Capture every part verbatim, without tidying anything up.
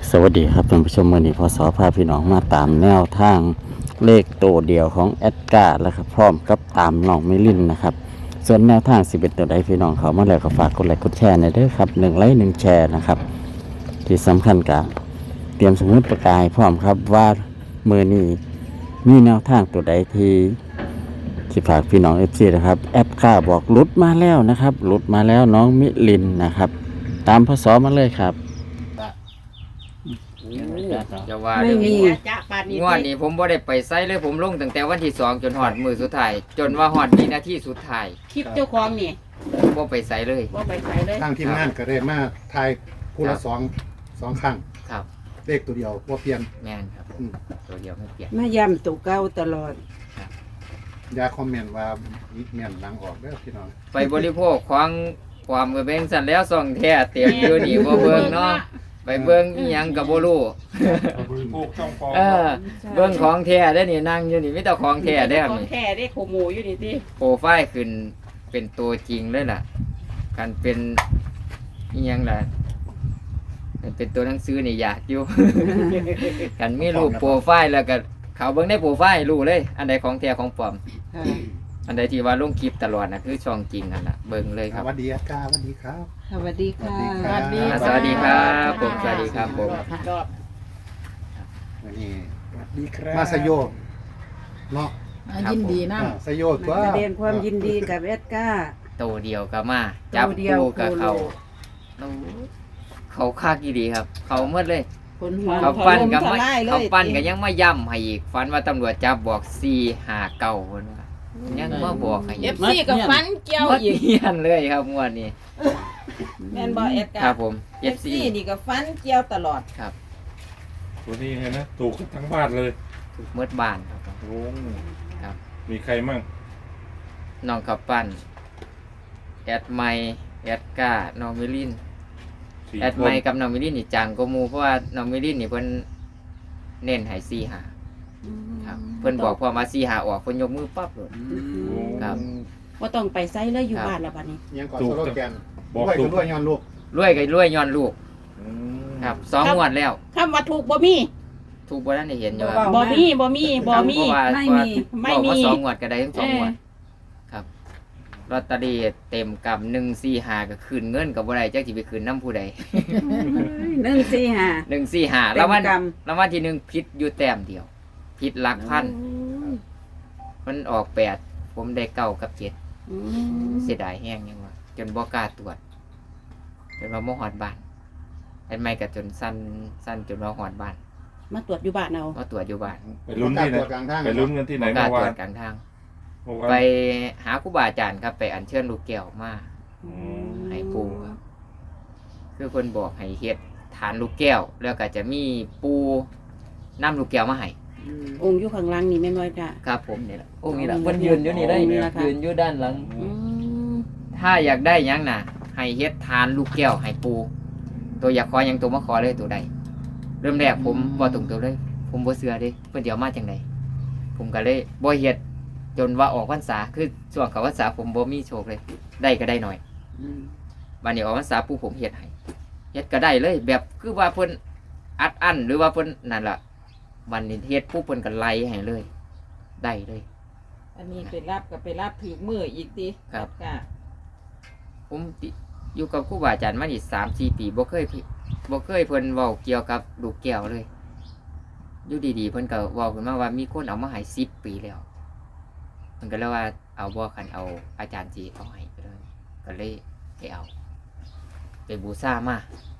สวัสดีครับท่านผู้ชมวันนี้พศพาพี่น้องมาตามแนวทางเลขตัวเดียวของแอดการ์แล้วครับพร้อมกับตามน้องมิลินนะครับส่วนแนวทางสิบเอ็ดตัวใดพี่น้องเขามาแล้วก็ฝากกดไลค์กดแชร์ในอยเด้อครับหนึ่งไลค์หนึ่งแชร์นะครับที่สำคัญกับเตรียมสมุดประกายพร้อมครับว่ามือนี้มีแนวทางตัวใดที่ที่ฝากพี่น้องเอฟซีนะครับแอดการ์บอกหลุดมาแล้วนะครับหลุดมาแล้วน้องมิลินนะครับตามพศมาเลยครับจะว่าไม่เด้อมีจ้าปานนี้งวดนี้ผมบ่ได้ไปไซเลยผมลงตั้งแต่วันที่สองจนฮอดมือสุดท้ายจนว่าฮอดวินาทีสุดท้ายคลิปเจ้าของนี่บ่ไปไซเลยว่าไปใส่เลยทางทีมงานก็ได้มาทายคู่ละสองสองครั้งครับเลขตัวเดียวว่าเปลี่ยนแม่นครับอืมตัวเดียวไม่เปลี่ยนมาย่ำตัวเก่าตลอดอย่าคอมเมนต์ว่ามิดเมียนหลังออกเด้อพี่น้องไปบริโภคของความกระเบงสั่นแล้วส่องแท้เต็มอยู่นี่บ่เบิ่งเนาะไปเบิ่งอีหยังก็บ่รู้ปลูกต้องฟองเออเบิ่งของแท้ได้อนี่นั่งอยู่นี่มีแต่ของแท้ได้อครับของนี่แท้ได้โคหมูอยู่นี่ติโปรไฟล์ขึ้นเป็นตัวจริงเลยล่ะการเป็นอีหยังล่ะมันเป็นตัวหนังสือนี่ยากอยู่ กันมีรูปโปรไฟล์แล้วก็เขาเบิ่งในโปรไฟล์รู้เลย อันใดของแท้ของปลอมค่ะอันใดที่ว่าลงคลิปตลอดนะคือช่องจริงนั่นล่ะเบิ่งเลยคสรับวัสดีอาจารย์สวัสดีครับสวัสดีค่ะสวัสดีอ่าสวัสดีครับผมสวัสดีครับผมรอบวันนี้สวัสดีครับมาสยโยเนาะยินดีนะอ่าสยโยตัวมาแสดงความยินดีกับแอดก้าโตเดียวก็มาจับโตเดียวคู่กับโคโลเขาโอ้เขาคักอีดีครับ เขาหมดเลยคนหัวเขาปั้นกับถไม่ล่ายเลยเขาปั้นก็ยังมาย่ำให้อีกฝันว่าตำรวจจับบอกสี่หาเก่าคนว่ายังมาบอกให้เออีกฟซีกับฟันเกี่ยวมาอีกเฮียนเลยครับงวดนี้แม่นบ่เอ็ดคการับผมเอฟซีนี่ก็ฟันเกี่ยวตลอดครับตัวนี้ไงนะถูกกันทั้งบ้านเลยถูกเมื่อบานครับผมโอ้ครับมีใครมั่งน้องขับปั้นแอดไมค์แอดก้าน้องมิลินสี่แอดคไมนค์กับน้องมิลินนี่จังก็มูเพราะว่าน้องมิลินนี่เพิ่นเน้นให้สี่หาครับเพิ่นบอกพอมาสี่หาออกเพิ่นยกมือปั๊บเลยโอ้ครับว่าต้องไปใส่เลยอยู่ครับบ้านแล้วบัดนี้ยังก่อนโซโลแกนบอกด้วยถูกักนด้วยย้อนลูกรวยก็รวยย้อนลูกอืมครับสองงวดแล้วคำว่าถูกบ่มีถูกบ่ทันได้เห็นอยู่ครับบ่มีบ่มีบ่มีเพราะว่าไม่มีไม่บอกมีว่าสองงวดก็ได้ทั้งสองเอองวดครับลอตเตอรี่เต็มกับหนึ่งสี่หาก็คืนเงินกับบ่ได้จักสิไปคืนน้ำผู้ใดหนึ่งสี่ห้าหนึ่งสี่หาเต็แล้วมวันกแล้ววันที่หนึ่งพิษอยู่แต้มเดียวพิษหลักพันมันออกแปดผมได้เก้ากับเจ็ดอืมเสียดายแห้งยังวะจนบ่กล้าตรวจจนว่าบ่หอดบ้านไอ้ไม่ก็จนสั้นสั้นจนว่าหอดบ้านมาตรวจอยู่บ้านเอาก็ตรวจอยู่บ้านไปลุ้นที่ไหนตัวกลางทางไปลุ้นกันที่ไหนบ่กล้าเมื่อตรวาวน จกลางทางเมื่อวานไปหาครูบาอาจารย์ครับ ไปอัญเชิญลูกแก้วมาอืมให้ปูครับคือคนบอกให้เฮ็ดฐานลูกแก้ว แล้วก็จะมีปูน้ำลูกแก้วมาให้อืมองค์อยู่ข้างหล่างนี่แม่นบ่จ้ะครับผมนี่แหละโอ้นี่แหละองค์เพิ่นยืนอยู่นี่ได้องค์นี่แหละค่ะยืนอยู่ด้านหลังอืมถ้าอยากได้หยังน่ะ ให้เฮ็ดทานลูกแก้วให้ปู ตัวอยากขอหยังตัวมาขอเลยตัวใดเริ่มแรกผมบ่ตรงตัวเลย ผมบ่เชื่อเด้เพิ่นสิเดี๋ยวมาจังไดผมก็เลยบ่เฮ็ดจนว่าออกพรรษาคือช่วงเข้าพรรษาผมบ่มีโชคเลย ได้ก็ได้หน่อยอืมบัดนี้ออกพรรษาปูผมเฮ็ดให้เฮ็ดก็ได้เลย แบบคือว่าเพิ่นอัดอั้นหรือว่าเพิ่นนั่นล่ะวันนี้เฮ็ดผู้เพิ่นก็ไล่ให้เลย ได้เลยอันนี้ไปรับกับไปรับถือมืออีกทีครับค่ะผมติอยู่กับครูบาอาจารย์มานี่สามสี่ปีบ่เคยผิดบ่เคยเพิ่นเว้าเกี่ยวกับลูกแก้วเลยอยู่ดีๆเพิ่นก็เว้าขึ้นมาว่ามีคนเอามาให้สิบปีแล้วเพิ่นก็เลยว่าเอาบ่คันเอาอาจารย์จีเอาให้ไปเลยก็เลยไปเอาไปบูชามา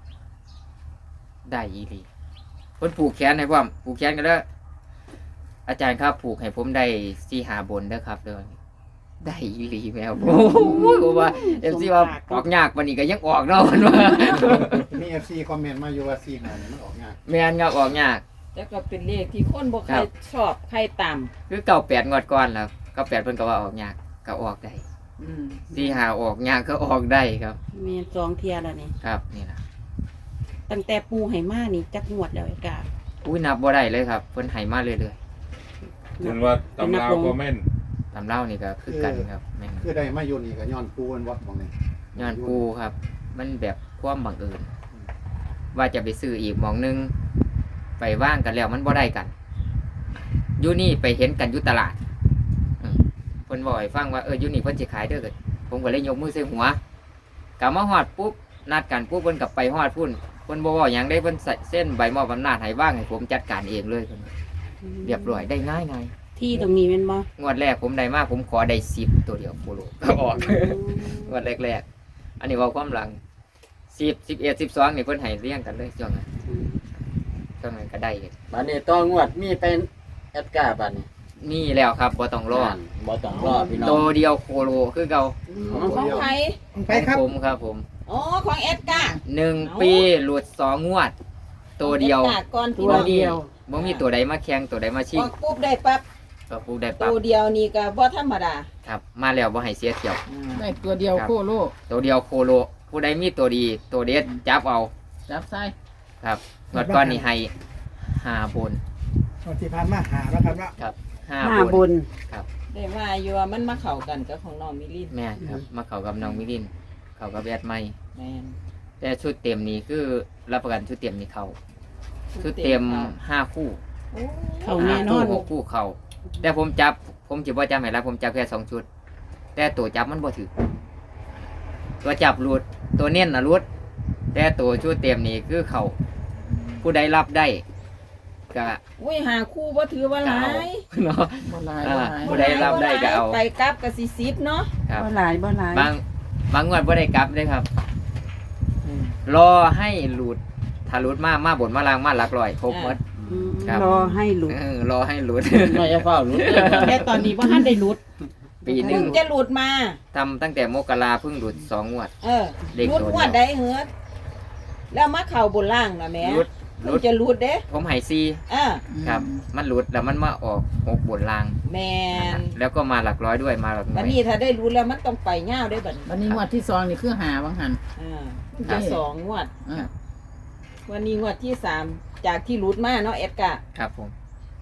ได้อีหลีเพิ่นผูกแขนให้พร้อมผูกแขนกันเด้ออาจารย์ครับผูกให้ผมได้สี่หาบนเด้อครับเด้อได้อีหลีแมวโอ้โหผมว่า เอฟซีว่าออกยากวันนี้ก็ยังออกเนาะมันว่ามีเอฟซีคอมเมนต์มาอยู่ว่าซีหาเนี่ยมันออกงานแมนครับออกยากแล้วก็เป็นเลขที่คนบ่ใคครรับชอบใครตามคือเก่าแปดงวดก่อนแล้วเก่าแปดเพิ่นก็ว่าออกยากก็ออกได้อืมสี่หาออกยากก็ออกได้ครับแม่นสองเที่ยแล้วนี่ครับนี่นะตั้งแต่ปูให้มานี่จักงวดแล้วไอ้กาอุ้ยนับบ่ได้เลยครับเพิ่นให้มาเรื่อยเห็นว่าตำราวก็แม่นๆตำเล่านี่ก็คือกันครับแม่นคือได้มาอยู่นี่ก็ย้อนปูนวัดบางนี่ย้อนปูครับ มันแบบความบังเอิญว่าจะไปซื้ออีกหมองหนึงไปว่างกันแล้วมันบ่ได้กันอยู่นี่ไปเห็นกันอยู่ตลาดอืมเพิ่นบอกให้ฟังว่าเอออยู่นี่เพิ่นสิขายเด้อเกิดผมก็เลยยกมือใส่หัวกลับมาฮอดปุ๊บนัดกันปุ๊บเพิ่นกลับไปฮอดพุ่นเพิ่นบ่เว้าหยังได้เพิ่นใส่เส้นใบมอบอำนาจให้ว่างให้ผมจัดการเองเลยเพิ่นเรียบร้อยได้ง่ายง่ายที่ตรงนี้เป็นบ่งวดแรกผมได้มากผมขอได้สิบตัวเดียวโคโลก็ออก งวดแรกๆอันนี้เว่าความหลังสิบสิบเอ็ดสิบสองนี่เพิ่นให้เรียงกันเลยช่วงนั้นช่วงนั้นก็ได้บัดนี้ต้องงวดมีเป็นแอดการ์บัดนี้นี่แล้วครับบ่ต้องรอบ่ต้องรอพี่น้อตังวเดียวโคโลคือเก่าของใครไปครับผมครับผมอ๋อของเอ็ดการ์หนึ่งปีหลุดสองงวด ตัวเดียวอ็การ์ก่อนพี่ตัวน้องเดียวบ่มีตัวใดมาแข่งตัวใดมาชิอง อกปุ๊บได้ปั๊บก็พูดได้ปั๊บตัวเดียวนี่ก็บ่ธรรมดาครับ มาแล้วบ่ให้เสียเที่ยวได้ตัวเดียวโคโลตัวเดียวโคโลผู้ใดมีตัวดีตัวเด็ดจับเอาจับใส่ครับงวดก้อนนี่ให้ห้าบนวันที่ผ่านมาหาแล้วครับว่าครับห้าห้าบบุนญได้ว่าอยู่ว่ามันมาเข้ากันกับของน้องมิลินแม่นครับ มาเข้ากับน้องมิลิน เข้ากับแอดไม่แม่นแต่ชุดเต็มนี่คือรับประกันชุดเต็มนี่เขาชุดเต็มห้าคู่โอ้เข้าแน่นอนหกคู่เขาแต่ผมจับ ผมจิบ่จับให้แล้วผมจับแค่สองชุด แต่ตัวจับมันบ่ถือตัวจับหลุดตัวเน้นนะหลุด แต่ตัวชุดเต็มนี่คือเขาผู้ใดรับได้ก็อุ้ยหาคู่บ่ถือว่าหลายเนาะบ่หลายอ่าบ่หลายผู้ใดรับได้ก็เอาไปกลับก็สิสิบเนาะครับบ่หลายบ่หลายบางบางงวดบ่ได้กลับเลยครับอืมรอให้หลุดถ้าหลุดมามาบนมาลางมาหลักร้อยครบหมดอืมครับรอให้หลุดเออรอให้หลุดไม่จะเฝ้ารู้เรื่องแต่ตอนนี้บ่ทันได้หลุดปีหนึ่เพิ่งงจะหลุดมาทำตั้งแต่มกราเพิ่งหลุดสองงวดเออเด็กหลุดตัวเดียวงวดได้เหือดแล้วมาเข้าบนล่างนะแหม่หลุดหเพิ่ลุงดจะหลุดเด้ผมใหายซีอ่าครับ มันหลุดแล้วมันมาออกหกบนลางแม่นแล้วก็มาหลักร้อยด้วยมาหลักหน่บัวดยนี้ถ้าได้รู้แล้วมันต้องไปยาวได้บัดนี้วันนี้งวดที่สองนี่คือหาบางหันอ่าครัจะบสองงวดอ่าวันนี้งวดที่สามจากที่หลุดมาเนาะแอดกาครับผม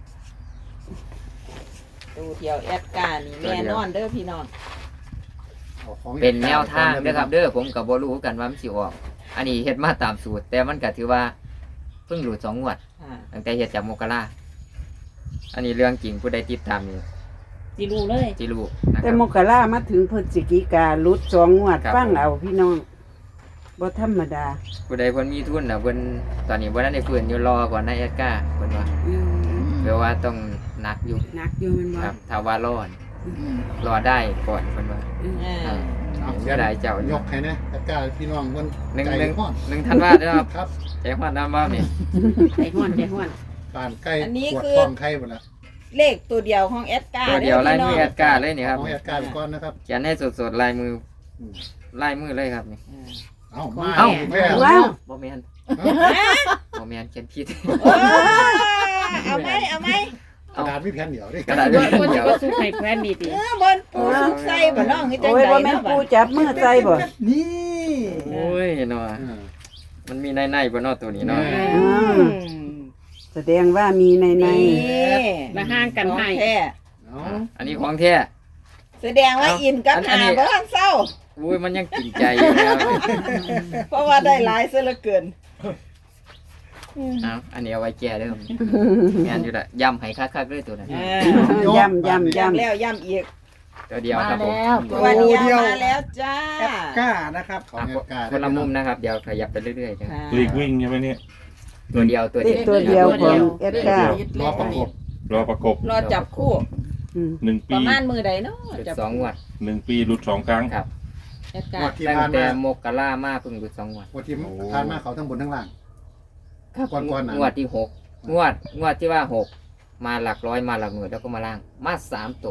ตูเดียวแอดกานี่แน่นอนเด้อพี่น้องอาของเป็นแนวทางเด้อครับ เด้อผมกับบ่รู้กันว่ามันสิออก อันนี้เฮ็ดมาตามสูตร แต่มันก็ถือว่าเพิ่งหลุดสองงวดอ่าตั้งแต่เฮ็ดจากมกราอันนี้เรื่องจริงผู้ใดติดตามนี่สิรู้เลยจิรู้นะคแต่รับมกรามาถึงพฤศจิกาหลุดสองงวดครับฟังเอาพี่น้องบ่ธรรมดาผู้ใดเพิ่นมีทุนน่ะเพิ่นตอนนี้บ่ทันได้ฟื้นอยู่รอก่อนนะแอดก้าเพิ่นว่าอืมแปลว่าต้องหนักอยู่หนักอยู่แมันบ่ครับถ้าว่ารอดอืมรอได้ก่อนเพิ่นว่าอ่าครับเอาเสียดายเจ้ายกให้นะตะกร้าพี่น้องคนหนึ่งไก่หนึ่งห้อนหนึ่งธันวาเด้อครับครับใจฮอดน้ำบ้านี่ใจห้อนใจห้อนปานไก่อันนี้ปวดคือท้องไข่หมดละเลขตัวเดียวของแอดกาตัวเดียวลายมือแอดก้าเลยนี่ครับของแอดการ์ไปก่อนนะครับเขียนให้สดๆลายมืออืมลายมือเลยครับนี่เอามาเอ้าแม่ว้าวบ่แม่นเอาบ่แม่นเขียนผิดเออเอาไหมเอาไหมกระดาษมีแผ่นเดียวดิกระดาษบนเดียวก็สุกให้แฟนดีติเออบนปูสุกใส่บ่น้องคือจังโอ้ยไดบ่แม่นเนาะปูบัดจับมือใจบ่นี่โอ้ยเนาะอ่ามันมีในๆบ่เนาะตัวนี้เนาะอืมแสดงว่ามีในในนี่มาห่างกันให้ของแท้เอาอันนี้ของแท้แสดงว่าอินกับอันหานี้บ่ทันเศร้าอุ้ยมันยังกินใจอยู่นะครับเพราะว่าได้หลายซะเหลือเกินเอาอันนี้เอาไว้แก้เด้อแม่นอยู่ละย่ำให้คักๆเลยตัวนั้นอ่ย่ำย่ำย้ำย่ำแล้วย้ำอีกตัวเดียวมาครับผมแล้วตัวเดียวมาแล้วจ้าแอดก้านะครับของอ่ะแอดการ์คนละมุมนะครับ เดี๋ยวขยับไปเรื่อยๆครับค่ะหลีกวิ่งใช่ไหมเนี่ยตัวเดียวตัวเลเดีขยวตัวเดียวของเอสก้ารอประกบรอประกบรอจับคู่อืมหนึ่งปปีระมาณมือใดเนาะจุดจับสองงวดหนึ่งปีหลุดสองครั้งครับแอดกางวดรที่ตั้งผ่านแต่มามกรามาเพิ่งหลุดสองงวดงวดที่ผ่านมาเขาทั้งบนทั้งล่าง ก่อนๆน่ะงวดที่หกงวดงวดที่ว่าหกมาหลักร้อยมาหลักหน่วยแล้วก็มาล่าง มาสามตัว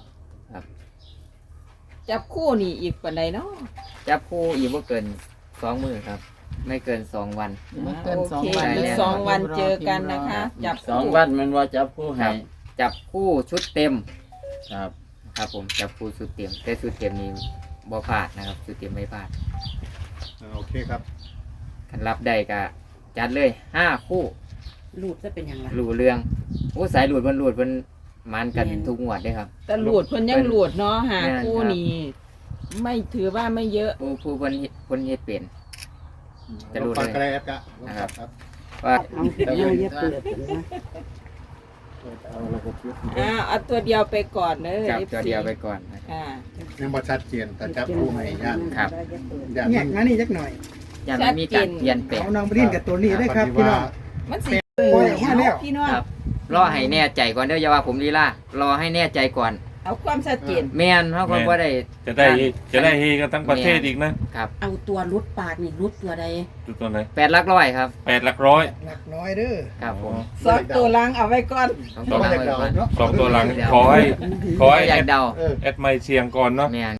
จับคู่นี่อีกปานใดเนาะจับคู่อีกว่าเกินสองมือครับ ไม่เกินสองวันไม่เกินสองโอเควันได้แล้วสองวันเจอกันนะคะ จับสองคู่วันมันว่าจับผู้ให้จับคู่ชุดเต็มครับครับผมจับคู่ชุดเต็มแต่ชุดเต็มนี้บ่พลาดนะครับชุดเต็มไม่พลาดอ่าโอเคครับคันรับได้ก็จัดเลยห้าคู่ลูดจะเป็นยังไงหลูเรื่องโอ้สายหลุดเพิ่นหลุดเพิ่นมันกันทุกงวดเด้ครับแต่ลูดเพิ่นยังลูดเนาะหาแม่นคู่ครับนี่ไม่ถือว่าไม่เยอะผู้ผู้เพิ่นเฮ็ดเพิ่นเฮ็ดเป็นจะรู้ลองเลยฟังกระไรแอปกะลองฟังครับว่าเอาเอาอย่าเปิดกันนะเอาระบบยุทธ์อ่าเอาตัวเดียวไปก่อนเด้อจับเอฟตัวซีเดียวไปก่อนนะครับอ่ายังบ่ชัดเจนแต่จับผู้ให้ย่านครับย่านแยมักนมานี่จักหน่อยยังไม่มีการเปลี่ยนแปลงเอาน้องไปดินกับตัวนี้ได้ครับพี่น้องมันสิปล่อยออกมาแล้วพี่น้องครับ รอให้แน่ใจก่อนเด้ออย่าว่าผมลีลารอให้แน่ใจก่อนเอาความชัดเจนแม่นเพราะคนบ่ได้จะได้จะได้เฮกันทั้งประเทศอีกนะครับเอาตัวรุดปากนี่รุดตัวใดจุดตัวไหนแปดหลักร้อยครับแปดหลักร้อยหลักน้อยเด้อครับผมสองตัวลังเอาไว้ก่อนสองต้ตัอวงหลังอยากไว้เดาก่อนเนาะสองตัวหลังขอให้ขอให้อยากเดาเออแอดไมค์เชียงก่อนเนาะแม่น